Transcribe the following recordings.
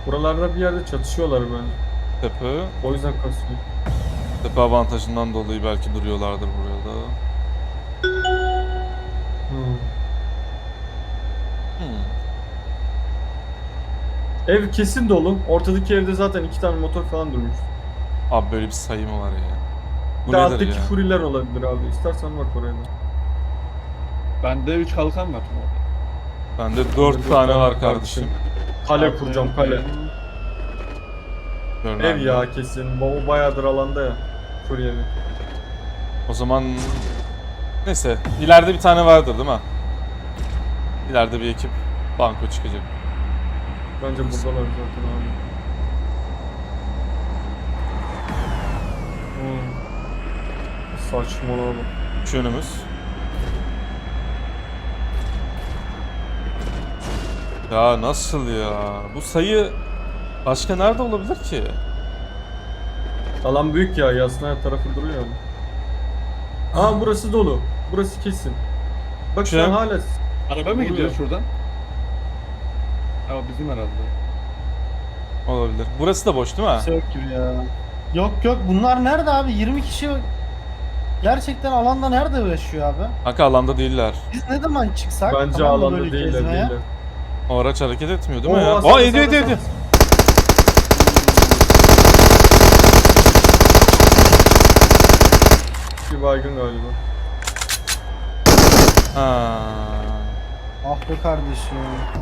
Buralarda bir yerde çatışıyorlar bence. Tepe. O yüzden kasıyor. Tepe avantajından dolayı belki duruyorlardır burada. Hmm. Hmm. Ev kesin dolu. Ortadaki evde zaten 2 tane motor falan durmuş. Abi böyle bir sayı mı var ya? Bu Bir de nedir alttaki ya? furiler olabilir abi. İstersen bak oraya da. Bende 3 kalkan var. Bende Bende 4 tane var kardeşim. Kale kuracağım, kale. Görünen Ev mi? ya kesin. O bayağıdır alanda ya. Furi evi. O zaman neyse ileride bir tane vardır değil mi? İleride bir ekip banko çıkacak. Bence buradalar zaten abi. Hmm. Saçmalama. Şu önümüz. Ya nasıl ya? Bu sayı başka nerede olabilir ki? Alan büyük ya. Yasna her tarafı duruyor ama. Aa burası dolu. Burası kesin. Bak şu an Şey- hala Araba mı Vuruyor. gidiyor şuradan? Ama bizim herhalde. Olabilir. Burası da boş değil mi? Kimse yok gibi ya. Yok yok, bunlar nerede abi? 20 kişi gerçekten alanda nerede yaşıyor abi? Kanka alanda değiller. Biz ne zaman çıksak? bence tamam mı alanda böyle değiller gezmeye? değiller. O araç hareket etmiyor değil mi Oo, ya? sağda, Aa ediyor sağda, ediyor ediyor. sağda. Bir baygın galiba. Ha. Ah be kardeşim.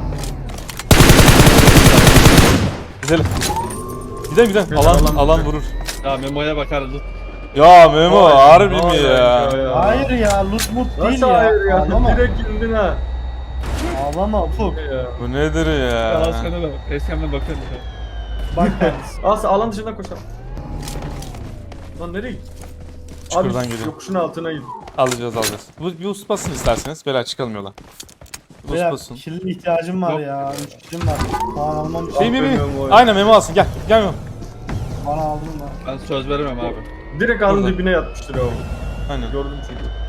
Gidelim. Gidelim gidelim. Biraz Alan alan alan bize. vurur. Ya Memo'ya bakarız. Ya Memo Vay, harbi mi vay ya? Hayır ya, loot mut değil Nasıl ya. hayır ya? Ağlama. Direkt indin ha. Ağlama Ufuk. Ya. Bu nedir ya? Ya sana bak. Eskiden bakarız. Bak kardeşim. Aslı alan dışından koşalım. Lan nereye git? Çukurdan Abi geliyor. yokuşun altına git. Alacağız alacağız. Bu bir us basın isterseniz. Beyler çıkalım yola. Us Beyler, basın. kirli ihtiyacım var Yok. ya. 3 kişim var. Bana almam Şey mi Aferin mi? Memo. Aynen Memo alsın gel. Gel Memo. Bana aldın da. Ben söz veremem abi. Direkt ağın Burada. dibine yatmıştır o. Aynen. Gördüm çünkü.